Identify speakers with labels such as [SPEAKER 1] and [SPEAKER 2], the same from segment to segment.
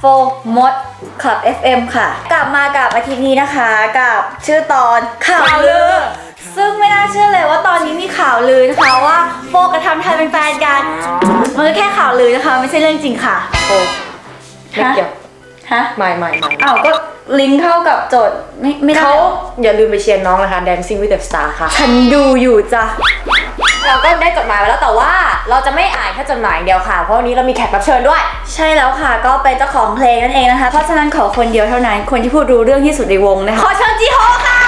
[SPEAKER 1] มดคลับ FM ค่ะกลับมากับอาทิตย์นี้นะคะกับชื่อตอนข่าวลือซึ่งไม่น่าเชื่อเลยว่าตอนนี้มีข่าวลือนะคะว่าโฟกับทำไทยเป็นแฟนกันมันก็แค่ข่าวลือนะคะไม่ใช่เรื่องจริงค่ะ
[SPEAKER 2] โฟไม่เกี่ยว
[SPEAKER 1] ฮะ
[SPEAKER 2] ไม่
[SPEAKER 1] อ้าวก็ลิงก์เข้ากับโจทย์ไม่ได้
[SPEAKER 2] เขาอย่าลืมไปเชียร์น้องนะคะ Dancing with the Star ค่ะ
[SPEAKER 1] ฉันดูอยู่จ้ะ
[SPEAKER 2] เราก็ได้จดหมายมาแล้วแต่ว่าเราจะไม่อ่านแค่จดหมายเดียวค่ะเพราะวันนี้เรามีแขกรับเชิญด้วย
[SPEAKER 1] ใช่แล้วค่ะก็เป็นเจ้าของเพลงนั่นเองนะคะเพราะฉะนั้นขอคนเดียวเท่านั้นคนที่พูดรู้เรื่องที่สุดในวงนะคะขอเชิญจีโฮค่ะ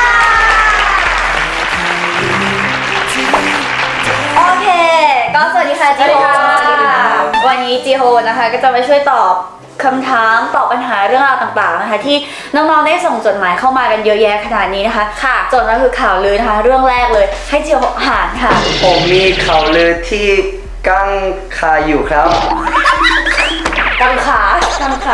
[SPEAKER 1] โอเคก็สวัสดีค่ะจีโฮวันนี้จีโฮนะคะก็จะมาช่วยตอบคำถามตอบปัญหาเรื่องราวต่างๆนะคะที่น้องๆได้ส่งจดหมายเข้ามากันเยอะแยะขนาดนี้นะคะ
[SPEAKER 2] ค่ะ
[SPEAKER 1] จดมาคือข่าวลือนะคะเรื่องแรกเลยให้จีโฮอ่านค่ะ
[SPEAKER 3] ผมมีข่าวลือที่กังขาอยู่ครับ
[SPEAKER 2] กังขา
[SPEAKER 1] กังขา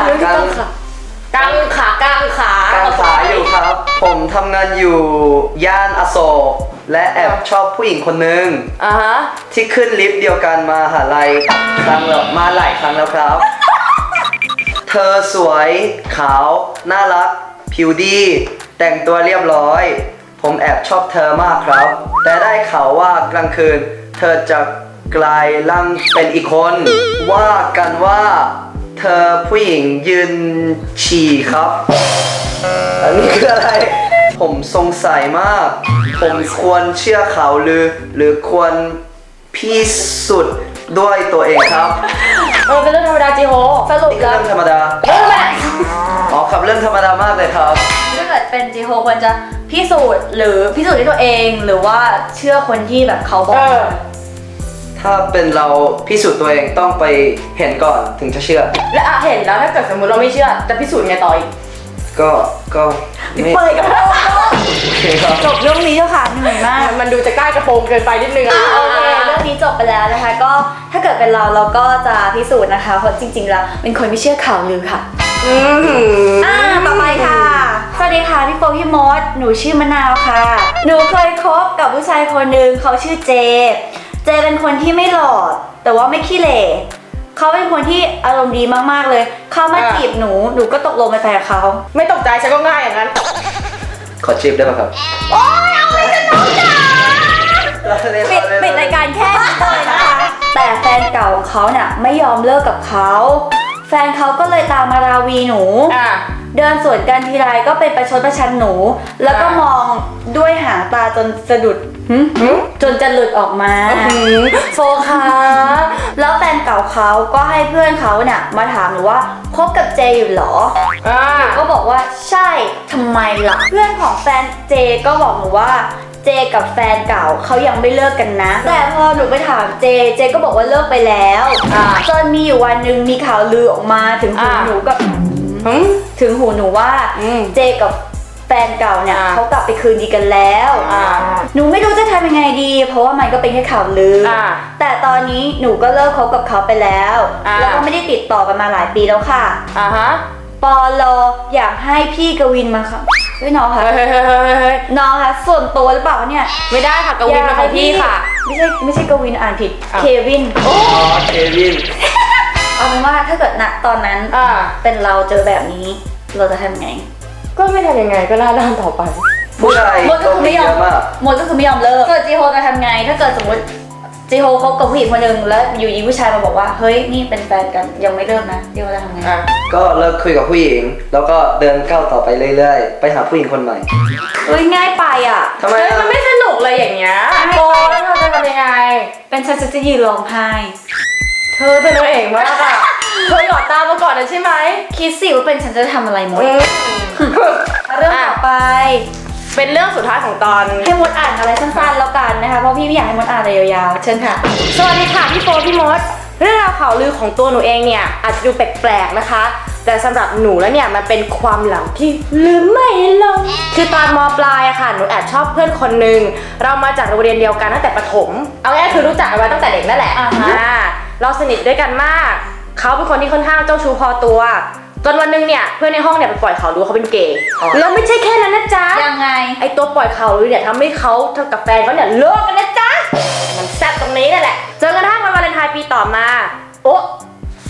[SPEAKER 3] อยู่ครับผมทำงานอยู่ย่านอโศกและแอบชอบผู้หญิงคนนึงที่ขึ้นลิฟต์เดียวกันมาหาลัยมาหลายครั้งแล้วครับเธอสวยขาวน่ารักผิวดีแต่งตัวเรียบร้อยผมแอบชอบเธอมากครับแต่ได้ข่าวว่ากลางคืนเธอจะกลายร่างเป็นอีกคนว่ากันว่าเธอผู้หญิงยืนฉี่ครับอันนี้คืออะไรผมสงสัยมากผมควรเชื่อข่าวหรือควรพิสูจน์ด้วยตัวเองครับ
[SPEAKER 2] เป็นเรื่องธรรมดาจีโฮ
[SPEAKER 1] สรุป
[SPEAKER 3] นี่คือ
[SPEAKER 1] แล้ว
[SPEAKER 3] เรื่องธรรมดาอ๋อครับเรื่องธรรมดามากเลยครับ
[SPEAKER 1] ถ้าเกิดเป็นจีโฮควรจะพิสูจน์หรือพิสูจน์ด้วยตัวเองหรือว่าเชื่อคนที่แบบเขาบอก
[SPEAKER 3] ถ้าเป็นเราพิสูจน์ตัวเองต้องไปเห็นก่อนถึงจะเชื่อ
[SPEAKER 2] และเห็นแล้วถ้าเกิดสมมติเราไม่เชื่อจะพิสูจน์ไงต่ออีก
[SPEAKER 3] ก็ไม่
[SPEAKER 1] เปิดกระโปรงจบเรื่องนี้แล้วค่ะเหนื่อยมาก
[SPEAKER 2] มันดูจะใกล้กระโปรงเกินไปนิดนึง
[SPEAKER 1] โอเคเรื่องนี้จบไปแล้วนะคะก็ถ้าเกิดเป็นเราก็จะพิสูจน์นะคะเพราะจริงๆแล้วเป็นคนไม่เชื่อข่าวลือค่ะต่อไปค่ะสวัสดีค่ะพี่โฟพี่มดหนูชื่อมะนาวค่ะหนูเคยคบกับผู้ชายคนหนึ่งเขาชื่อเจเป็นคนที่ไม่หล่อแต่ว่าไม่ขี้เหร่เขาเป็นคนที่อารมณ์ดีมากๆเลยเขามาจีบหนูก็ตกลงเป็นแฟนเขา
[SPEAKER 2] ไม่ตกใจฉันก็ง่ายอย่างนั้น
[SPEAKER 3] ขอจีบได้ไหมครับ
[SPEAKER 1] โอ๊ยเอาไปจะน้องจ๋าปิดรายการแค่นี้เลยนะคะแต่แฟนเก่าของเขาเนี่ยไม่ยอมเลิกกับเขาแฟนเขาก็เลยตามมาราวีหนูเดินสวนกันทีไรก็เป็นประชดประชันหนูแล้วก็มองด้วยหางตาจนสะดุดจนจะหลุดออกมาโฟค่ะแล้วแฟนเก่าเขาก็ให้เพื่อนเขาเนี่ยมาถามหนูว่าคบกับเจอยู่หรอก็บอกว่าใช่ทำไมล่ะเพื่อนของแฟนเจก็บอกหนูว่าเจกับแฟนเก่าเขายังไม่เลิกกันนะแต่พอหนูไปถามเจก็บอกว่าเลิกไปแล้วจนมีอยู่วันหนึ่งมีข่าวลือออกมาถึงหูหนูกับถึงหูหนูว่าเจกับแฟนเก่าเนี่ยเขากลับไปคืนดีกันแล้วหนูไม่รู้จะทำยังไงดีเพราะว่ามันก็เป็นแค่ข่าวลือแต่ตอนนี้หนูก็เลิกคบกับเขาไปแล้วแล้วก็ไม่ได้ติดต่อกันมาหลายปีแล้วค่ะปอลอยากให้พี่กวินมาค่ะน้องค่ะน้องค่ะส่วนตัวหรือเปล่าเนี่ย
[SPEAKER 2] ไม่ได้ค่ะกวินเป็นของพี่ค่ะ
[SPEAKER 1] ไม่ใช่กวินอ่านผิดเควิน
[SPEAKER 3] เควิน
[SPEAKER 1] เอาเป็นว่าถ้าเกิดณตอนนั้นเป็นเราเจอแบบนี้เราจะทำไง
[SPEAKER 2] ก็ไม่ทำยังไงก็หน้าด้านต่อไป
[SPEAKER 3] ผู้ชาย
[SPEAKER 1] มดก็คือไม่ยอมเลิกเกิดจีโฮจะทำไงถ้าเกิดสมมติจีโฮคบกับผู้หญิงคนหนึ่งแล้วอยู่ดีผู้ชายมาบอกว่าเฮ้ยนี่เป็นแฟนกันยังไม่เลิกนะจีโฮจะทำไง
[SPEAKER 3] ก็เลิกคุยกับผู้หญิงแล้วก็เดินก้าวต่อไปเรื่อยๆไปหาผู้หญิงคนใหม่
[SPEAKER 1] เฮ้ยง่ายไปอ่ะ
[SPEAKER 3] ทำไม
[SPEAKER 2] มันไม่สนุกเลยอย่างเงี้ยโกแล้วเราจะทำยังไง
[SPEAKER 1] เป็นฉันจะยืนร้องไห้
[SPEAKER 2] เธอเป็นตัวเองมากอะเธอหยอดตามาก่อนนะใช่ไหม
[SPEAKER 1] คิดสิว่าเป็นฉันจะทำอะไรมดเรื่องต่อไป
[SPEAKER 2] เป็นเรื่องสุดท้ายของตอน
[SPEAKER 1] ให้มดอ่านอะไรสั้นๆแล้วกันนะคะเพราะพี่ไม่อยากให้มดอ่านอะไรยาวๆเชิญค่ะ
[SPEAKER 2] สวัสดีค่ะพี่โฟพี่มดเรื่องราวข่าวลือของตัวหนูเองเนี่ยอาจจะดูแปลกๆนะคะแต่สำหรับหนูแล้วเนี่ยมันเป็นความหลังที่ลืมไม่ลงคือตอนม.ปลายอะค่ะหนูแอบชอบเพื่อนคนหนึ่งเรามาจากโรงเรียนเดียวกันตั้งแต่ประถมเอาง่ายคือรู้จักกันมาตั้งแต่เด็กนั่นแหละเราสนิทด้วยกันมากเขาเป็นคนที่ค่อนข้างเจ้าชู้พอตัวจนวันนึงเนี่ยเพื่อนในห้องเนี่ยไปปล่อยข่าวรู้เขาเป็นเกย์แล้วไม่ใช่แค่นั้นนะจ๊ะ
[SPEAKER 1] ยังไง
[SPEAKER 2] ไอตัวปล่อยข่าวรู้เนี่ยทำให้เขากับแฟนเขาเนี่ยเลิกกันนะจ๊ะมันแซ่บตรงนี้นั่นแหละจนกระทั่งวันวาเลนไทน์ปีต่อมาโอ๊ะ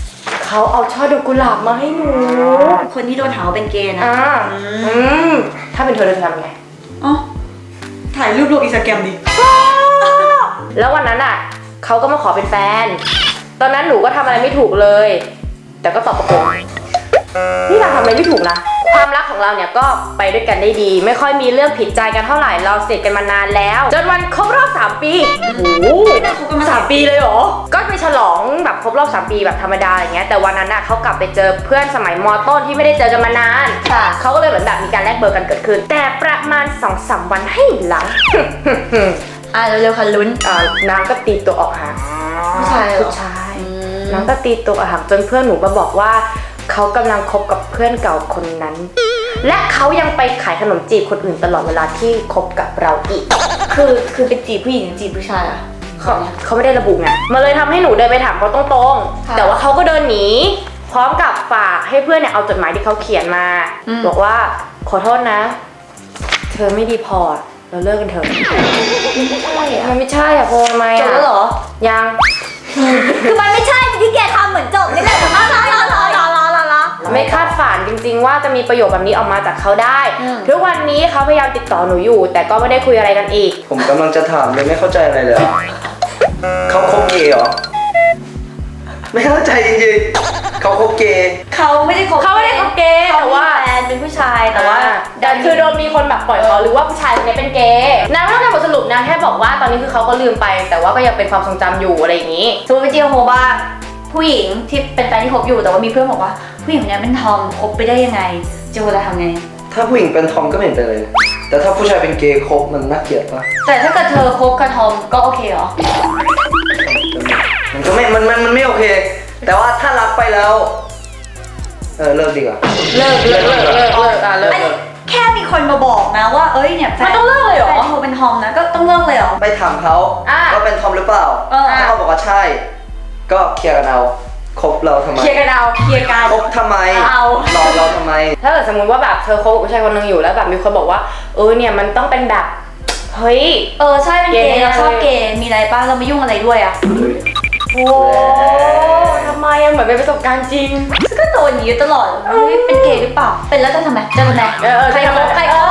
[SPEAKER 2] เขาเอาช่อดอกกุหลาบมาให้หนู
[SPEAKER 1] คนที่โดนหาว่าเป็นเกย์นะ
[SPEAKER 2] ถ้าเป็นเธอจะทำไง
[SPEAKER 1] อ๋อถ่ายรูปลงอินสตาแกรมดิ
[SPEAKER 2] แล้ววันนั้นอ่ะเขาก็มาขอเป็นแฟน ตอนนั้นหนูก็ทำอะไรไม่ถูกเลย แต่ก็ตอบประกบนี่เราทำอะไรไม่ถูกนะ ความรักของเราเนี่ยก็ไปด้วยกันได้ดี ไม่ค่อยมีเรื่องผิดใจกันเท่าไหร่ เราสนิทกันมานานแล้ว จนวันครบรอบ3 ปี โอ้โห
[SPEAKER 1] คบกันมา
[SPEAKER 2] 3 ปีเลยเหรอ ก็ไปฉลองแบบครบรอบ3 ปีแบบธรรมดาอย่างเงี้ย แต่วันนั้นน่ะเขากลับไปเจอเพื่อนสมัยม.ต้นที่ไม่ได้เจอกันมานาน
[SPEAKER 1] ค่ะ
[SPEAKER 2] เขาก็เลยเหมือนแบบมีการแลกเบอร์กันเกิดขึ้น แต่ประมาณ 2-3 วันให้หลัง
[SPEAKER 1] เร็วๆค่ะลุ้น
[SPEAKER 2] นางก็ตีตัวออกห่าง
[SPEAKER 1] ผู้ชายเหรอ
[SPEAKER 2] ผู้ชายนางก็ตีตัวออกห่างจนเพื่อนหนูมาบอกว่าเขากำลังคบกับเพื่อนเก่าคนนั้น และเขายังไปขายขนมจีบคนอื่นตลอดเวลาที่คบกับเราอีก
[SPEAKER 1] คือเป็นจีบผู้หญิงหรือจีบผู้ชายอะ
[SPEAKER 2] เขาไม่ได้ระบุไงมันเลยทำให้หนูเดินไปถามเขาตรง
[SPEAKER 1] ค่ะ
[SPEAKER 2] ๆแต่ว่าเขาก็เดินหนีพร้อมกับฝากให้เพื่อนเนี่ยเอาจดหมายที่เขาเขียนมา บอกว่าขอโทษนะ เธอไม่ดีพอเราเลิกกันเถอะ
[SPEAKER 1] ไม่ใช่อะ
[SPEAKER 2] มันไม่ใช่อะโพทำไม
[SPEAKER 1] จบ
[SPEAKER 2] อะ
[SPEAKER 1] แล้วเหรอ
[SPEAKER 2] ยัง
[SPEAKER 1] คือมันไม่ใช่ที่แกทำเหมือนจบนี่แหละรอ
[SPEAKER 2] ไม่คาดฝันจริงๆว่าจะมีประโยคแบบนี้ออกมาจากเขาได้
[SPEAKER 1] อืม
[SPEAKER 2] ทุกวันนี้เขาพยายามติดต่อหนูอยู่ แต่ก็ไม่ได้คุยอะไรกันอีก
[SPEAKER 3] ผมกำลังจะถามเลยไม่เข้าใจอะไรเลยเขาคบเกย์เหรอ ไม่เข้าใจจริงๆเขาคบเกย์
[SPEAKER 1] เขาไม่ได้คบ
[SPEAKER 2] เขาไม่ได้คบเกย์
[SPEAKER 1] เขา
[SPEAKER 2] แต่
[SPEAKER 1] มี
[SPEAKER 2] ว่า
[SPEAKER 1] แฟนเป็นผู้ชายแต่ว่า
[SPEAKER 2] แต่คือโดนมีคนแบบปล่อยเขาหรือว่าผู้ชายคนนี้เป็นเกย์นางไม่ต้องการบทสรุปนางแค่บอกว่าตอนนี้คือเขาก็ลืมไป แต่ว่าก็ยังเป็นความทรงจำอยู่อะไรอย่างนี้
[SPEAKER 1] สมมติเป็นจีโฮบ้างผู้หญิงที่เป็นแฟนที่คบอยู่แต่ว่ามีเพื่อนบอกว่าผู้หญิงคนนี้เป็นทอมคบไปได้ยังไงจีโฮจะทำไง
[SPEAKER 3] ถ้าผู้หญิงเป็นทอมก็ไม่เห็นเป็นไรเลยแต่ถ้าผู้ชายเป็นเกย์คบมันน่าเกลียดปะ
[SPEAKER 1] แต่ถ้าเกิดเธอคบกับทอมก็โอเคเหรอ
[SPEAKER 3] มันก็ไม่มันไม่โอเค แต่ว่าถ้ารักไปแล้วเลิกดีกว่า
[SPEAKER 2] เลิกเลิกอ่ะเลิก
[SPEAKER 1] อันนี้แค่มีคนมาบอกนะว่าเอ้ยเนี่ยแฟ
[SPEAKER 2] มันต้องเลิกเลยเหรอ
[SPEAKER 1] แฟนเธอเป็นทอมนะก็ต้องเลิกเลยเหรอ
[SPEAKER 3] ไปถามเขา
[SPEAKER 2] อ่ะ
[SPEAKER 3] ว่าเป็นทอมหรือเปล่า ถ้าเขาบอกว่าใช่ ก็เคลียร์กันเอาคบเราทำไม
[SPEAKER 2] เคลียร์กันเอา
[SPEAKER 1] เคลียร์กัน
[SPEAKER 3] คบทำไม
[SPEAKER 1] เอา
[SPEAKER 3] รอเราทำไม
[SPEAKER 2] ถ้าเกิดสมมติว่าแบบเธอคบกับผู้ชายคนหนึงอยู่แล้วแบบมีคนบอกว่าเนี่ยมันต้องเป็นแบบเฮ้ย
[SPEAKER 1] ใช่เป็นเกย์เราชอบเกย์มีอะไรป้าเราไม่ยุ่งอะไรด้วยอ่ะ
[SPEAKER 2] โอ้ทำไมอะเหมือนเป็นประสบการณ์จริง
[SPEAKER 1] ก็โดนอย่างนี้ตลอดเฮ้ยเป็นเกย์หรือเปล่าเป็นแล้วจะทำไมจะทำไม
[SPEAKER 2] ใครคบใครคบ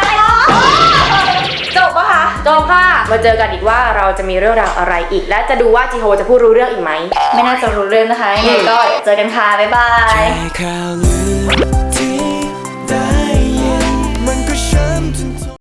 [SPEAKER 2] จบปะคะจบค่ะมาเจอกันอีกว่าเราจะมีเรื่องราวอะไรอีก และจะดูว่าจีโฮจะพูดรู้เรื่องอีกไหม
[SPEAKER 1] ไม่น่าจะรู้เรื่องนะคะยังไงก็เจอกันค่ะบ๊ายบาย
[SPEAKER 4] แค่ข่าวลือ